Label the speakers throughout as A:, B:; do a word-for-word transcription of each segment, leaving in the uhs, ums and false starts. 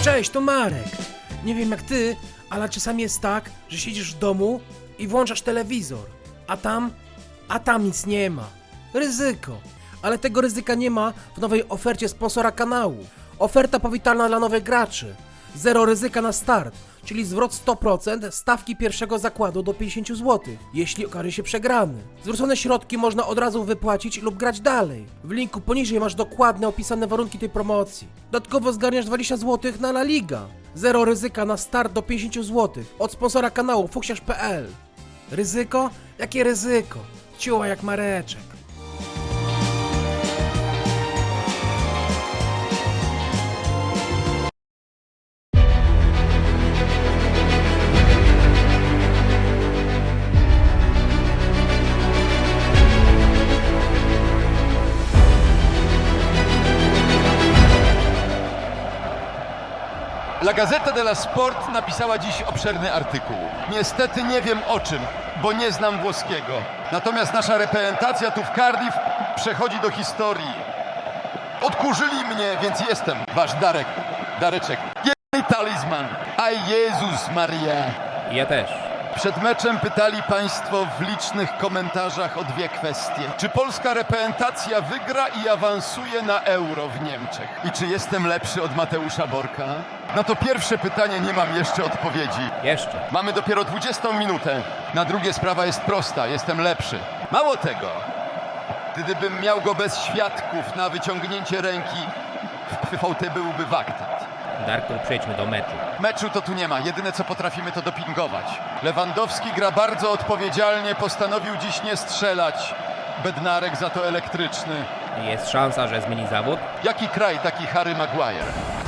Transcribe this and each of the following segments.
A: Cześć, to Marek. Nie wiem jak ty, ale czasami jest tak, że siedzisz w domu i włączasz telewizor, a tam, a tam nic nie ma. Ryzyko. Ale tego ryzyka nie ma w nowej ofercie sponsora kanału. Oferta powitalna dla nowych graczy. Zero ryzyka na start, czyli zwrot sto procent stawki pierwszego zakładu do pięćdziesiąt złotych, jeśli okaże się przegrany. Zwrócone środki można od razu wypłacić lub grać dalej. W linku poniżej masz dokładne opisane warunki tej promocji. Dodatkowo zgarniasz dwadzieścia złotych na La Liga. Zero ryzyka na start do pięćdziesiąt złotych od sponsora kanału fuksiarz kropka pe el. Ryzyko? Jakie ryzyko? Ciuła jak Mareczek.
B: La Gazzetta dello Sport napisała dziś obszerny artykuł. Niestety nie wiem o czym, bo nie znam włoskiego. Natomiast nasza reprezentacja tu w Cardiff przechodzi do historii. Odkurzyli mnie, więc jestem wasz Darek, Dareczek. Jeden talizman. A Jezus Maria.
C: Ja też.
B: Przed meczem pytali państwo w licznych komentarzach o dwie kwestie. Czy polska reprezentacja wygra i awansuje na Euro w Niemczech? I czy jestem lepszy od Mateusza Borka? Na to pierwsze pytanie nie mam jeszcze odpowiedzi.
C: Jeszcze.
B: Mamy dopiero dwudziestą minutę. Na drugie sprawa jest prosta. Jestem lepszy. Mało tego. Gdybym miał go bez świadków na wyciągnięcie ręki, w V T byłby waktat.
C: Darku, przejdźmy do meczu.
B: Meczu to tu nie ma. Jedyne co potrafimy to dopingować. Lewandowski gra bardzo odpowiedzialnie. Postanowił dziś nie strzelać. Bednarek za to elektryczny.
C: Jest szansa, że zmieni zawód?
B: Jaki kraj, taki Harry Maguire.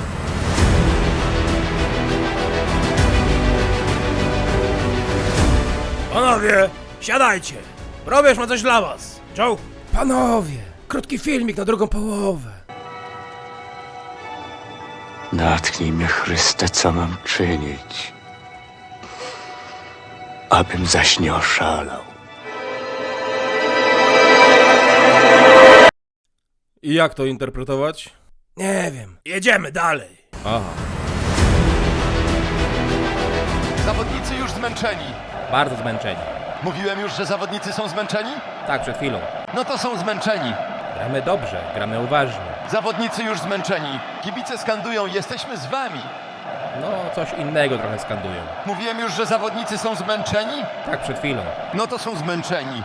A: Panowie, siadajcie. Probierz ma coś dla was. Joe? Panowie, krótki filmik na drugą połowę.
D: Natchnij mnie, Chryste, co mam czynić, abym zaś nie oszalał.
E: I jak to interpretować?
A: Nie wiem. Jedziemy dalej.
E: Aha.
B: Zawodnicy już zmęczeni.
C: Bardzo zmęczeni.
B: Mówiłem już, że zawodnicy są zmęczeni?
C: Tak, przed chwilą.
B: No to są zmęczeni.
C: Gramy dobrze, gramy uważnie.
B: Zawodnicy już zmęczeni. Kibice skandują, jesteśmy z wami.
C: No, coś innego trochę skandują.
B: Mówiłem już, że zawodnicy są zmęczeni?
C: Tak, przed chwilą.
B: No to są zmęczeni.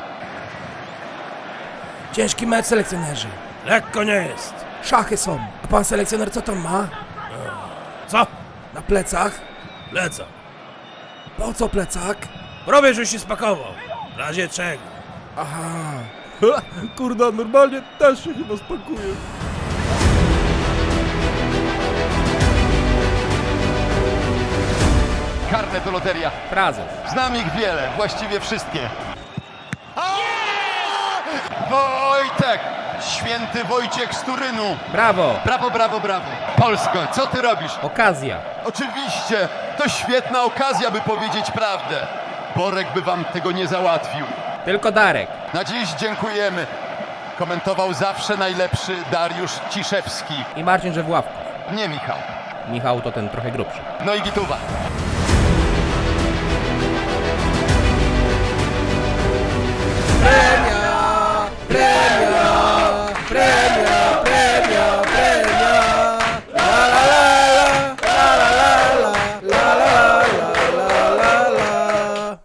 A: Ciężki mecz, selekcjonerzy. Lekko nie jest. Szachy są. A pan selekcjoner co tam ma? Co? Na plecach? Plecak. Po co plecak? Probierz już się spakował. W razie czego? Aha.
E: Ha, kurda, normalnie też się chyba spakuje.
B: Karne to loteria.
C: Frazes.
B: Znam ich wiele, właściwie wszystkie. Wojtek! Święty Wojciech z Turynu.
C: Brawo!
B: Brawo, brawo, brawo. Polsko, co ty robisz?
C: Okazja.
B: Oczywiście, to świetna okazja, by powiedzieć prawdę. Borek by wam tego nie załatwił.
C: Tylko Darek.
B: Na dziś dziękujemy. Komentował zawsze najlepszy Dariusz Ciszewski.
C: I Marcin Żewławków.
B: Nie Michał.
C: Michał to ten trochę grubszy.
B: No i Gituwa.
A: Premia! Premia! Premia! Premia! Premia! La la la la la la la la la la la.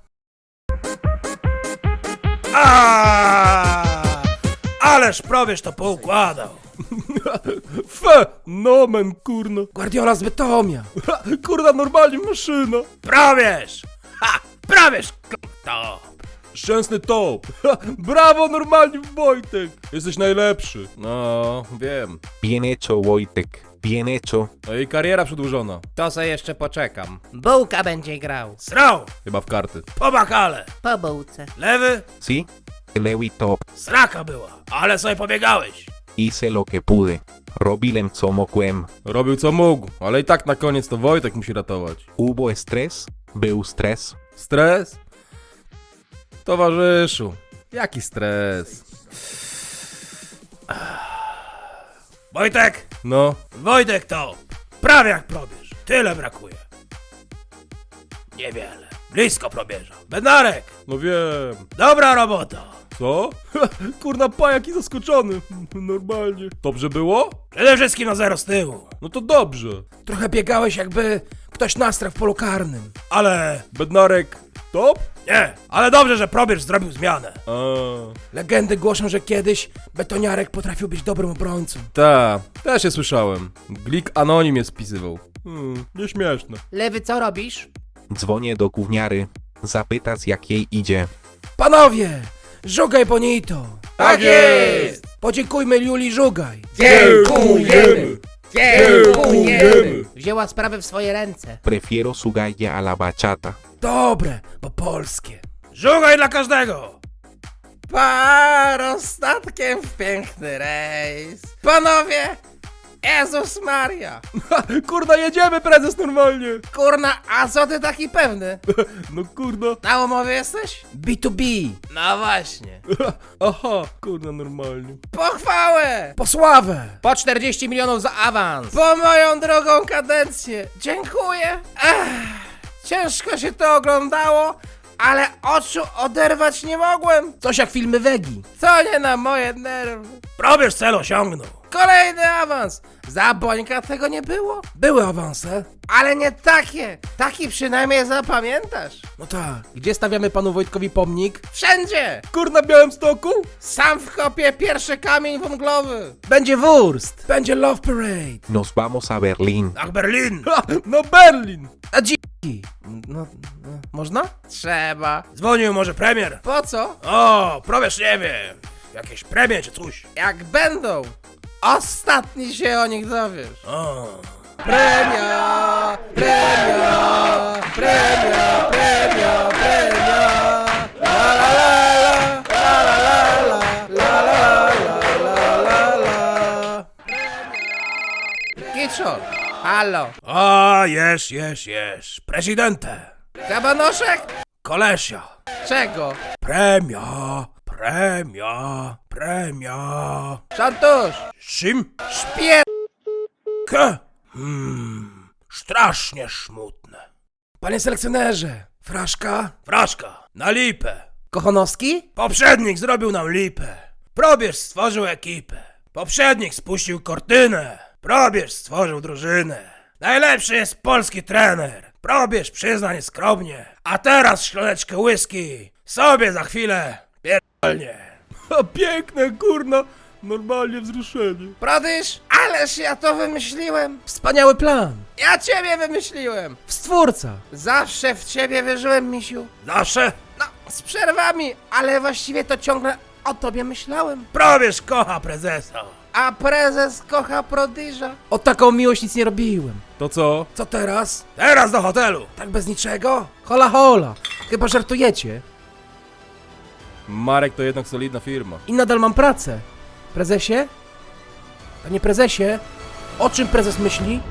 A: A! Ależ probierz to poukładał.
E: Fe, nomen, kurno.
A: Guardiola z Bytomia.
E: Ha, kurda, normalnie maszyna.
A: Probierz! Ha! Probierz! To!
E: Szczęsny top. Ha, brawo, normalnie, Wojtek. Jesteś najlepszy. No, wiem.
D: Bien hecho, Wojtek, bien hecho.
E: No i kariera przedłużona.
C: To se jeszcze poczekam.
F: Bułka będzie grał.
A: Srał!
E: Chyba w karty.
A: Po bakale!
F: Po bułce.
A: Lewy?
D: ¿Sí? Lewy top.
A: Sraka była, ale sobie pobiegałeś.
D: Hice lo que pude. Robiłem co mogłem.
E: Robił co mógł, ale i tak na koniec to Wojtek musi ratować.
D: Hubo stres? Był stres?
E: Stres? Towarzyszu, jaki stres?
A: Wojtek!
E: No,
A: Wojtek to! Prawie jak probierz. Tyle brakuje. Niewiele. Blisko probierza. Bednarek!
E: No wiem.
A: Dobra robota.
E: Co? Kurna, pajaki zaskoczony. Normalnie. Dobrze było?
A: Przede wszystkim na zero z tyłu.
E: No to dobrze.
A: Trochę biegałeś, jakby ktoś nastrał w polu karnym. Ale...
E: Bednarek, top?
A: Nie, ale dobrze, że probierz zrobił zmianę.
E: A,
A: Legendy głoszą, że kiedyś betoniarek potrafił być dobrym obrońcą.
E: ta, też się słyszałem. Glik anonim je spisywał. Hmm, nieśmieszne.
F: Lewy, co robisz?
G: Dzwonię do gówniary, zapytać jak jej idzie.
A: Panowie! Żugaj bonito!
C: Tak jest!
A: Podziękujmy Juli Żugaj!
C: Dziękujemy! Dziękujemy!
F: Wzięła sprawę w swoje ręce.
G: Prefiero su galle a la bachata.
A: Dobre, bo polskie. Żugaj dla każdego!
F: Paro statkiem w piękny rejs. Panowie! Jezus Maria!
E: Kurna, jedziemy, prezes, normalnie.
F: Kurna, a co ty taki pewny?
E: No kurna.
F: Na umowie jesteś?
A: B to B.
F: No właśnie.
E: Aha, kurna, normalnie.
F: Pochwałę!
A: Po sławę!
C: Po czterdzieści milionów za awans!
F: Po moją drogą kadencję. Dziękuję. Ech, ciężko się to oglądało, ale oczu oderwać nie mogłem.
A: Coś jak filmy Wegi.
F: To nie na moje nerwy.
A: Probierz cel osiągnął.
F: Kolejny awans. Za Bońka tego nie było.
A: Były awanse.
F: Ale nie takie. Taki przynajmniej zapamiętasz.
A: No tak. Gdzie stawiamy panu Wojtkowi pomnik?
F: Wszędzie.
E: Kurna, w Białymstoku?
F: Sam wkopię pierwszy kamień węglowy.
A: Będzie wurst. Będzie Love Parade.
G: Nos vamos a Berlín.
A: Ach, Berlin.
E: Ha, no Berlin.
A: A dziki. No, no, można?
F: Trzeba.
A: Dzwonił może premier.
F: Po co?
A: O, probierz nie wiem. Jakieś premie czy coś.
F: Jak będą. Ostatni się o nich dowiesz.
A: O.
F: Premia, premia, premia, premia, premia. La la la la, la la la la, la la la la la. Kiczor, halo.
A: A, jesz, jesz, jesz. Prezydente.
F: Kabanoszek?
A: Kolesia.
F: Czego?
A: Premia, premia, premia.
F: Szantusz,
A: Czym?
F: szpier...
A: K. Hmm, strasznie smutne. Panie selekcjonerze, fraszka? Fraszka, na lipę.
F: Kochanowski?
A: Poprzednik zrobił nam lipę. Probierz stworzył ekipę. Poprzednik spuścił kortynę. Probierz stworzył drużynę. Najlepszy jest polski trener. Probierz przyzna nieskromnie. A teraz szklaneczkę whisky. Sobie za chwilę pierdolnie.
E: A piękne, kurna. Normalnie wzruszenie.
F: Prodysz? Ależ ja to wymyśliłem.
A: Wspaniały plan.
F: Ja ciebie wymyśliłem.
A: Stwórca.
F: Zawsze w ciebie wierzyłem, misiu.
A: Zawsze
F: No, z przerwami, ale właściwie to ciągle o tobie myślałem.
A: probierz kocha prezesa.
F: A prezes kocha prodyża.
A: O taką miłość nic nie robiłem.
E: To co?
A: Co teraz? Teraz do hotelu. Tak bez niczego? Hola hola. Chyba żartujecie.
E: Marek to jednak solidna firma.
A: I nadal mam pracę. Prezesie? Panie prezesie? O czym prezes myśli?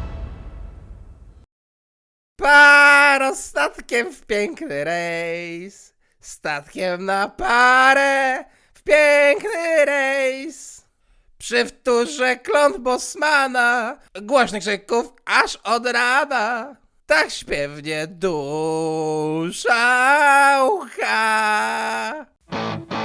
F: Paro statkiem w piękny rejs. Statkiem na parę w piękny rejs. Przy wtórze kląt Bosmana, głośnych krzyków aż od rana. Tak śpiewnie dusza łcha.